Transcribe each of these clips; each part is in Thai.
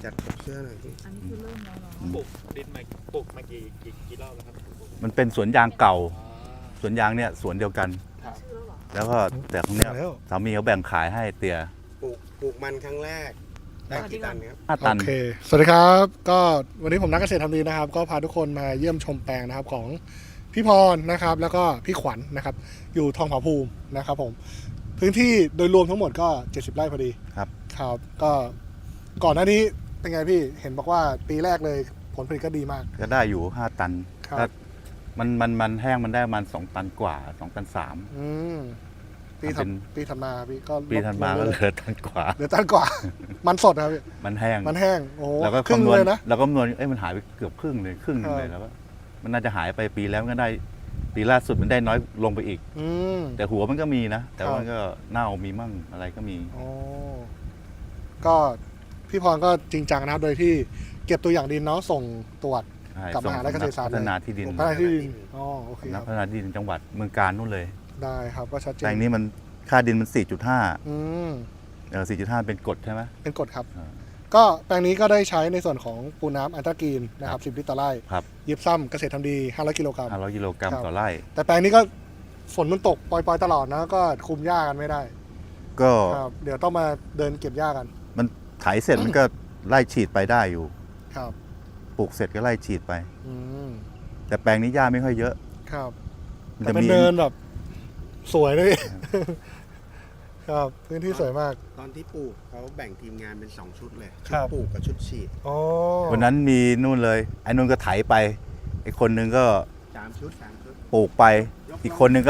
จัดเสื้อหน่อยพี่อันนี้คือเริ่มแล้วเนาะปลูกดินมาปลูกมากี่รอบแล้วครับมันเป็นสวนยางเก่า สวนยางเนี่ยสวนเดียวกันครับชื่อแล้วเหรอแล้วก็แต่ของเนี้ยแล้วสามีเขาแบ่งขายให้เตียปลูกมันครั้งแรกได้กี่ตันครับ 5 ตันโอเค สวัสดีครับ ก็วันนี้ผมนักเกษตรทำดีนะครับ ก็พาทุกคนมาเยี่ยมชมแปลงนะครับของพี่พรนะครับ แล้วก็พี่ขวัญนะครับ อยู่ทองผาภูมินะครับผม พื้นที่โดยรวมทั้งหมดก็ 70 ไร่พอดีครับครับ ก็ก่อนหน้านี้เป็นไงพี่ เห็นบอกว่าปีแรกเลยผลผลิตก็ดีมากก็ได้อยู่ 5 ตันครับถ้ามันแห้งมันได้ประมาณ2 ตันกว่า2 ตัน 3 อืมปีเป็นปีถัดมาพี่ก็ปีถัดมาก็เหลือตันกว่าเหลือตันกว่า มันสดนะครับพี่มันแห้งมันแห้ง โอ้โหแล้วก็ครึ่งคำนวณเลยนะแล้วก็คำนวณมันหายไปเกือบครึ่งเลยครึ่งหนึงเลยแล้วก็มันน่าจะหายไปปีแล้วมันก็ได้ปีล่าสุดมันได้น้อยลงไปอีกอืมแต่หัวมันก็มีนะ แต่ครับว่ามันก็เน่ามีมั่งอะไรก็มีอ๋อก็พี่พรก็จริงจังนะครับ โดยที่เก็บตัวอย่างดินเนาะส่งตรวจใช่กับมหาลัยเกษตรศาสตร์พัฒนาที่ดินพัฒนาที่ดินอ๋อโอเคคนัรักบพัฒนาที่ดินจังหวัดเมืองการนู่นเลยได้ครับก็ชัดเจนแปลงนี้มันค่าดินมัน 4.5 อืม 4.5 เป็นกรดใช่ไหมเป็นกฎครับอ่าก็แปลงนี้ก็ได้ใช้ในส่วนของปูน้ำอันตรากีนนะครับ 10 ลิตรต่อไร่ครับยิบซ้ำเกษตรทำดี 500 กิโลกรัม 500 กิโลกรัมครับต่อไร่แต่แปลงนี้ก็ฝนมันตกปล่อยๆตลอดนะ ก็คุมหญ้ากันไม่ได้ก็ครับ เดี๋ยวต้องมาเดินเก็บหญ้ากันมันไถเสร็จมันก็ไล่ฉีดไปได้อยู่ครับปลูกเสร็จก็ไล่ฉีดไปอืมแต่แปลงนี้หญ้าไม่ค่อยเยอะครับมันแต่จะเป็นมีเดินแบบสวยเลยพี่ ครับพื้นที่สวยมากตอนที่ปลูกเขาแบ่งทีมงานเป็น2ชุดเลยครัชุดบปลูกกับชุดฉีดอ๋อวันนั้นมีนู่นเลยไอ้นู่นก็ไถไปไอ้คนหนึงก็ 3 ชุดปลูกไป อีกคนหนึงก็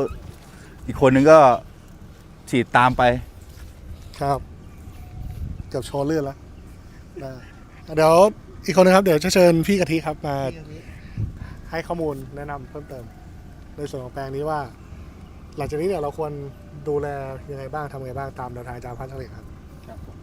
ฉีดตามไปครับเกือบโชว์เลือดแล้วได้เดี๋ยวอีกคนนึงครับ เดี๋ยวจะเชิญพี่กะทิครับมาให้ข้อมูลแนะนำเพิ่มเติม ในส่วนของแปลงนี้ว่า หลังจากนี้เนี่ยเราควรดูแลยังไงบ้างทำยังไงบ้างตามแนวทางอาจารย์พันธ์เฉลี่ยครับครับผม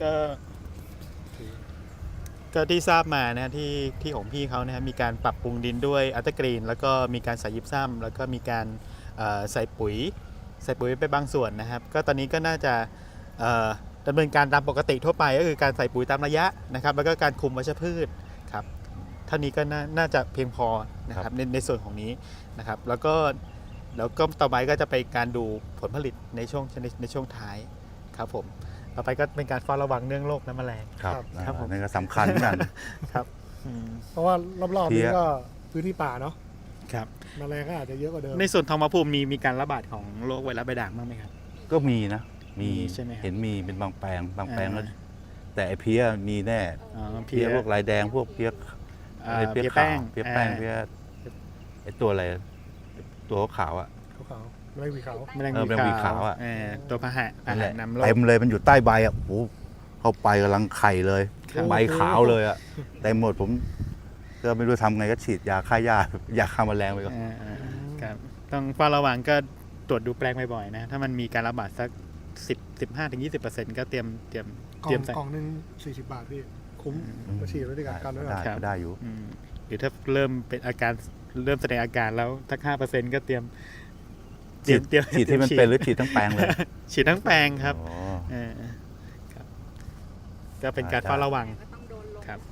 ก็ที่ทราบมานะที่ของพี่เขานะครับมีการปรับปรุงดินด้วยอัลตร้ากรีนแล้วก็มีการใส่ยิปซัมแล้วก็มีการใส่ปุ๋ยไปบางส่วนนะครับ ก็ตอนนี้ก็น่าจะดำเนินการตามปกติทั่วไปก็คือการใส่ปุ๋ยตามระยะนะครับ แล้วก็การคุมวัชพืชครับเท่านี้ก็น่าจะเพียงพอนะครับในส่วนของนี้นะครับ แล้วก็ต่อไปก็จะไปการดูผลผลิตในช่วงท้ายครับผมต่อไปก็เป็นการเฝ้าระวังเรื่องโรคน้ำแมลงครับครับผมนั่นก็สำคัญเหมือนกันครับอืมเพราะว่ารอบๆเพี้นี้ยก็พื้นที่ป่าเนาะครับแมลงก็อาจจะเยอะกว่าเดิมในส่วนทองผาภูมิมีการระบาดของโรคไวรัสใบด่างบ้างไหมครับก็มีนะ มีใช่ไหมครับเห็นมีเป็นบางแปลงแล้วอ่าแต่ไอ้เพี้ยมีแน่อ๋อเพี้ยพวกลายแดงพวกเพี้ย เพี้ยแป้ขาง วเพี้ยแป้งเพี้ยไอ้ตัวอะไรตัวขาวอ่ะขาวๆไม่มีขาวแมลงแมลงวีขาวอะตัวพาหะนั่นแหละนำโรคเต็มเลยมันอยู่ใต้ใบอ่ะโอ้โหเข้าไปกำลังไข่เลยครับใบขาวเลยอ่ะเต็มหมดผมก็ไม่รู้ทำไงก็ฉีดยาฆ่าหญ้ายาฆ่าแมลงไปก่อนครับต้องเฝ้าระวังก็ตรวจดูแปลงบ่อยๆนะถ้ามันมีการระบาดสัก15-20%ก็เตรียมกล่องใส่กล่องหนึ่ง40 บาทพี่คุ้มอืมก็ฉีดไว้ด้วยกันไว้ก่อนได้ครับได้อยู่อืมหรือถ้าเริ่มเป็นอาการเริ่มแสดงอาการแล้วสัก5%ก็เตรียมฉีดที่มันเป็นหรือฉีดทั้งแปลงเลยฉีดทั้งแปลงครับอ๋อครับก็เป็นการเฝ้าระวังก็ต้องโดนลงครับ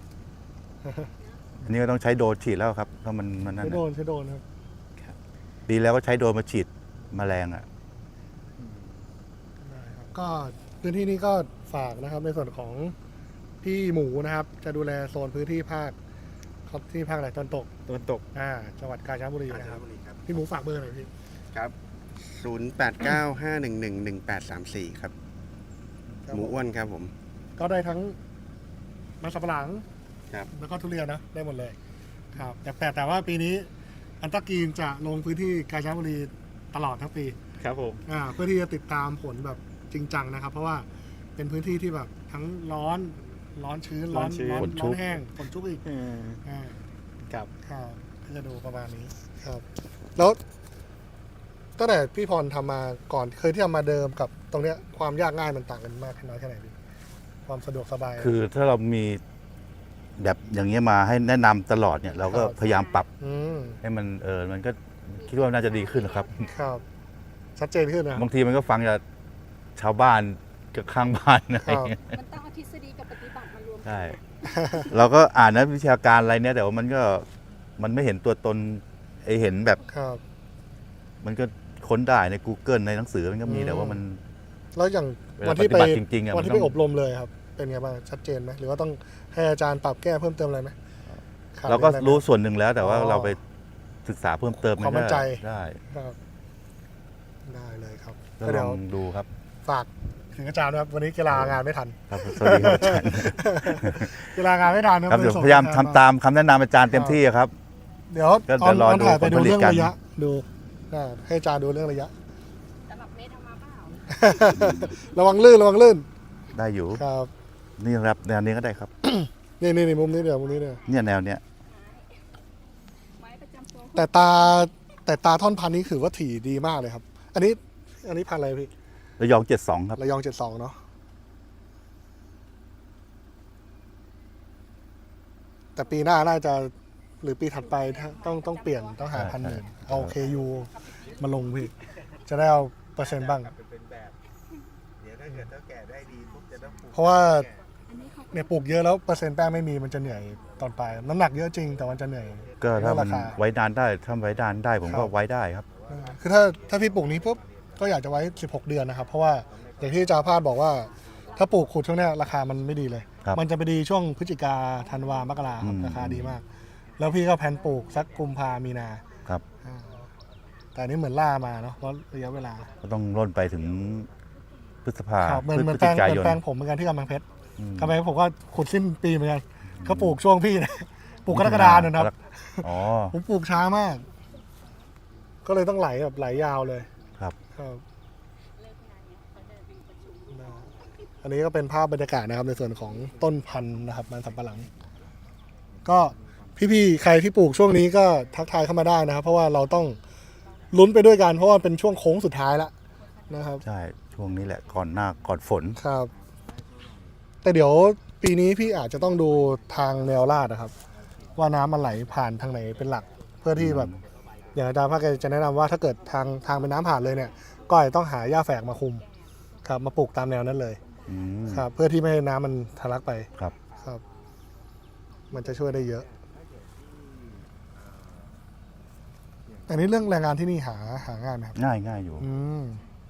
อันนี้ก็ต้องใช้โดรนฉีดแล้วครับเพราะมันนั่นใช้น่ะโดนครับปีแล้วก็ใช้โดรนมาฉีดแมลงอ่ะได้ครับก็พื้นที่นี้ก็ฝากนะครับในส่วนของพี่หมูนะครับ จะดูแลโซนพื้นที่ภาคครับที่ภาคไหนตอนตกตะวันตกจังหวัดกาญจนบุรีกาญจนะนครับบุรีครับพี่หมูฝากเบอร์หน่อยพี่ครับ 0895111834 ครับ หมูอ้วนครับผมก็ได้ทั้งมันสำปะหลังครับแล้วก็ทุเรียนนะได้หมดเลยครับแต่ว่าปีนี้อันตรากีนจะลงพื้นที่กาญจนบุรีตลอดทั้งปีครับผมเพื่อที่จะติดตามผลแบบจริงจังนะครับ เพราะว่าเป็นพื้นที่ที่แบบทั้งร้อนชื้นร้อนแห้งฝนชุกอีกอ่าครับครับก็จะดูประมาณนี้ครับ แล้วตั้งแต่พี่พรทำมาก่อนเคยที่ทำมาเดิมกับตรงเนี้ยความยากง่ายมันต่างกันมากน้อยแค่ไหนพี่ความสะดวกสบายคือถ้าเรามีแบบอย่างเงี้ยมาให้แนะนำตลอดเนี่ยเราก็ครับพยายามปรับมให้มันมันก็คิดว่าน่าจะดีขึ้นนะครับครับชัดเจนขึ้นนะบางทีมันก็ฟังจากชาวบ้านกับข้างบ้านอะไรอย่างเงี้ยมันต้องเอาทฤษฎีกับปฏิบัติมารวมใช่ เราก็อ่านนักวิชาการอะไรเนี่ยแต่ว่ามันไม่เห็นตัวตนไอเห็นแบบครับมันก็ค้นได้ใน Google ในหนังสือมันก็มีแต่ว่ามันแล้วอย่างเวลาวันที่ไปปฏิบัติจริงๆอะวันที่มันไปต้องอบรมเลยครับ เป็นไงบ้างชัดเจนไหมหรือว่าต้องให้อาจารย์ปรับแก้เพิ่มเติมอะไรไหมขดเราก็อะไรไหมรู้ส่วนหนึ่งแล้วแต่ว่าอ๋อเราไปศึกษาเพิ่มเติมความมั่นใจได้ครับได้เลยครับก็ก็ลเดี๋ยอวงดูครับฝากถึงอาจารย์นะครับวันนี้กีฬางานไม่ทันครับสวัสดีครับอาจารย์กีฬางานไม่ทันนะครับเดี๋ยวส่งพยายามตัวแททำนตามคำแนะนำอาจารย์เต็มที่ครับเดี๋ยวก็ตอนเดี๋ยวรอตอนถ่ายไปดูดูผลผลิตเรื่องกันระยะดูให้อาจารย์ดูเรื่องระยะสำหรับเมตรเอามาเปล่าระวังลื่นระวังลื่นได้อยู่ครับนี่ครับแนวนี้ก็ได้ครับนี่มุมนี้เดี๋ยวมุมนี้เดี๋ยวเนี่ยแนวเนี้ยไม้ประจำตัวแต่ตาท่อนพันธุ์นี้ถือว่าถี่ดีมากเลยครับ อันนี้พันธุ์อะไรพี่ระยอง72ครับระยอง72เนาะแต่ปีหน้าน่าจะหรือปีถัดไปต้องเปลี่ยนต้องหาพันธุ์อื่นเอา KU มาลงพี่จะได้เอาเปอร์เซ็นต์บ้างเป็นแบบ เดี๋ยวถ้าเกิดเท่าแก่ได้ดีปุ๊บจะต้องปลูกเพราะว่าอันนี้เขาเนี่ยปลูกเยอะแล้วเปอร์เซ็นต์แป้งไม่มีมันจะเหนื่อยตอนปลายน้ำหนักเยอะจริงแต่มันจะเหนื่อยก็ถ้ามันราคาไว้นานได้ถ้าไว้นานได้ผมคก็รับไว้ได้ครับคือถ้าพี่ปลูกนี้ปุ๊บก็อยากจะไว้16 เดือนนะครับ เพราะว่าอย่างที่อาจารย์พาดบอกว่า ถ้าปลูกขุดช่วงเนี้ยราคามันไม่ดีเลยครับมันจะไปดีช่วงพฤศจิกาธันวามกราครับอืมราคาดีมาก แล้วพี่ก็แผนปลูกสักกุมภามีนาครับอ่าแต่อันนี้เหมือนล่ามาเนาะเพราะระยะเวลาก็ต้องร่นไปถึงพฤษภาครับเหมือนพเหมืฤอนศแปลจิงกาเหมือย นนแปลงผมเหมือนกันที่กำแพงเพชรอืมกำแพงเพชรผมก็ขุดสิ้นปีเหมือนกันก็ปลูกช่วงพี่นะ ปลูกกรกฎาเนี่ยนะครับอ๋อผมปลูกช้ามาก ก็เลยต้องไหลแบบไหลยาวเลยครับครับเลิกงานเนี่ยเขาเดินไปประชุมได้อันนี้ก็เป็นภาพบรรยากาศนะครับในส่วนของต้นพันธุ์นะครับมันสำปะหลัง ก็พี่ๆใครที่ปลูกช่วงนี้ก็ทักทายเข้ามาได้นะครับ เพราะว่าเราต้องลุ้นไปด้วยกันเพราะว่าเป็นช่วงโค้งสุดท้ายแล้วนะครับใช่ช่วงนี้แหละก่อนฝนครับ แต่เดี๋ยวปีนี้พี่อาจจะต้องดูทางแนวลาดนะครับ ว่าน้ำมันไหลผ่านทางไหนเป็นหลัก เพื่อที่แบบอย่างอาจารย์ภาคจะแนะนำว่าถ้าเกิดทางเป็นน้ำผ่านเลยเนี่ย ก็อาจจะต้องหาหญ้าแฝกมาคุมครับมาปลูกตามแนวนั้นเลยอืมครับ เพื่อที่ไม่ให้น้ำมันทะลักไปครับครับ มันจะช่วยได้เยอะ อันนี้เรื่องแรงงานที่นี่หางานไหมครับง่ายอยู่อืม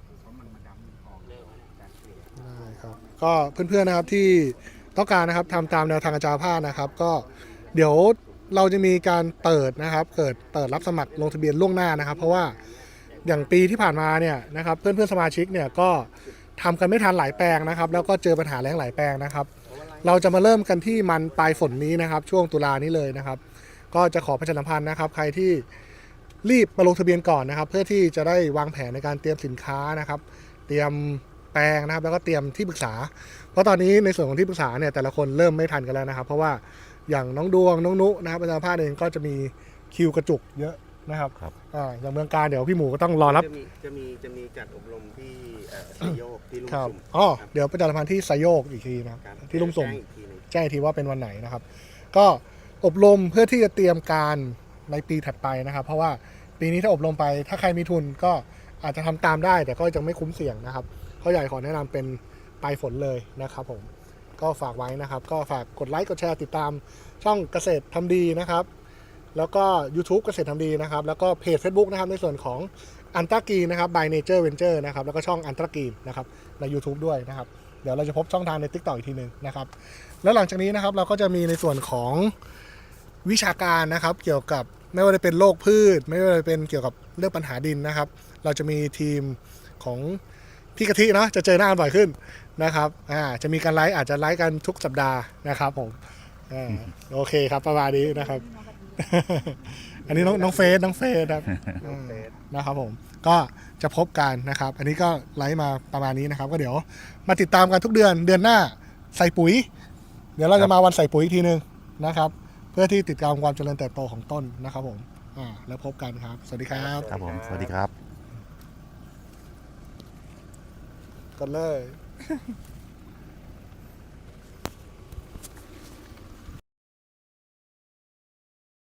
ได้ครับ ก็เพื่อนๆนะครับที่ต้องการนะครับทำตามแนวทางอาจารย์ภาคนะครับ ก็เดี๋ยวเราจะมีการเปิดนะครับเปิดรับสมัครลงทะเบียนล่วงหน้านะครับ เพราะว่าอย่างปีที่ผ่านมาเนี่ยนะครับเพื่อนๆสมาชิกเนี่ยก็ทำกันไม่ทันหลายแปลงนะครับ แล้วก็เจอปัญหาแล้งหลายแปลงนะครับ เราจะมาเริ่มกันที่มันปลายฝนนี้นะครับ ช่วงตุลานี้เลยนะครับ ก็จะขอประชาสัมพันธ์นะครับ ใครที่รีบมาลงทะเบียนก่อนนะครับ เพื่อที่จะได้วางแผนในการเตรียมสินค้านะครับ เตรียมแปลงนะครับ แล้วก็เตรียมที่ปรึกษา เพราะตอนนี้ในส่วนของที่ปรึกษาเนี่ยแต่ละคนเริ่มไม่ทันกันแล้วนะครับ เพราะว่าอย่างน้องดวงน้องนุนะครับอาจารย์ภาคเองก็จะมีคิวกระจุกเยอะนะครับครับอย่างเมืองการเดี๋ยวพี่หมูก็ต้องรอรับจะมีจัดอบรมที่สยโยกที่ลุ่มครับสุ่มอ๋อเดี๋ยวประชาสัมพันธ์ที่ไซโยกอีกทีนะครับครับที่ลุ่มสุ่มแจ้งอีกทีหนึ่งแจ้งอีกทีว่าเป็นวันไหนนะครับ ก็อบรมเพื่อที่จะเตรียมการในปีถัดไปนะครับ เพราะว่าปีนี้ถ้าอบรมไปถ้าใครมีทุนก็อาจจะทำตามได้ แต่ก็จะไม่คุ้มเสี่ยงนะครับเขาใหญ่ขอแนะนำเป็นปลายฝนเลยนะครับผมก็ฝากไว้นะครับ ก็ฝากกดไลค์กดแชร์ติดตามช่องเกษตรทำดีนะครับ แล้วก็ YouTube เกษตรทำดีนะครับ แล้วก็เพจ Facebook นะครับในส่วนของอันตรากีนะครับ by Nature Venture นะครับแล้วก็ช่องอันตรากีนะครับใน YouTube ด้วยนะครับ เดี๋ยวเราจะพบช่องทางใน TikTok อีกทีหนึ่งนะครับ แล้วหลังจากนี้นะครับเราก็จะมีในส่วนของวิชาการนะครับ เกี่ยวกับไม่ว่าจะเป็นโรคพืช ไม่ว่าจะเป็นเกี่ยวกับเรื่องปัญหาดินนะครับ เราจะมีทีมของพี่กะทิเนาะจะเจอหน้ากันบ่อยขึ้นนะครับจะมีการไลฟ์อาจจะไลฟ์กันทุกสัปดาห์นะครับผมโอเคครับประมาณนี้นะครับ อันนี้น้องเฟสครับนะครับผมก็จะพบกันนะครับ อันนี้ก็ไลฟ์มาประมาณนี้นะครับ ก็เดี๋ยวมาติดตามกันทุกเดือนหน้าใส่ปุ๋ย เดี๋ยวเราจะมาวันใส่ปุ๋ยอีกทีนึงนะครับ เพื่อที่ติดตามความเจริญเติบโตของต้นนะครับผมแล้วพบกันครับ สวัสดีครับครับผม สวัสดีครับกันเลย